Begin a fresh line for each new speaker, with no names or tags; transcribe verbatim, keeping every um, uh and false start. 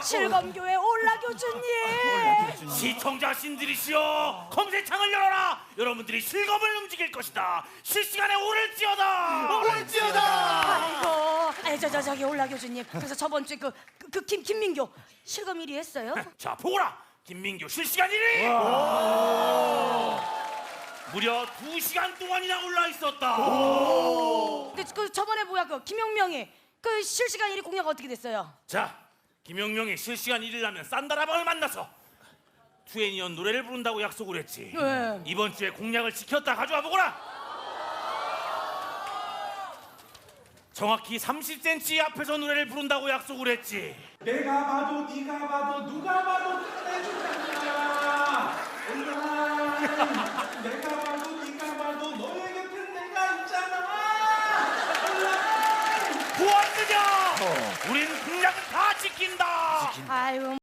실검교회 올라 교주님.
시청자신들이시여, 검색창을 열어라. 여러분들이 실검을 움직일 것이다. 실시간에 오를지어다.
오를지어다.
아이고, 아니 저 저 저기 올라 교주님. 그래서 저번 주에 그 그 김 김민교 실검 일 위 했어요?
자, 보거라. 김민교 실시간 일 위. 무려 두 시간 동안이나 올라 있었다.
근데 그 저번에 뭐야 그 김영명이 그 실시간 일 위 공약 어떻게 됐어요?
자, 김영명이 실시간 일 위를 하면 산다라방을 만나서 투애니언 노래를 부른다고 약속을 했지.
네.
이번 주에 공약을 지켰다. 가져와 보거라. 정확히 삼십 센티미터 앞에서 노래를 부른다고 약속을 했지.
내가 봐도 네가 봐도 누가 봐도 끝내준다. 온라인. 내가 봐도 네가 봐도 너의 곁에 내가 있잖아. 온라인.
보았느냐? 우린 공약은 다 지킨다.
아유.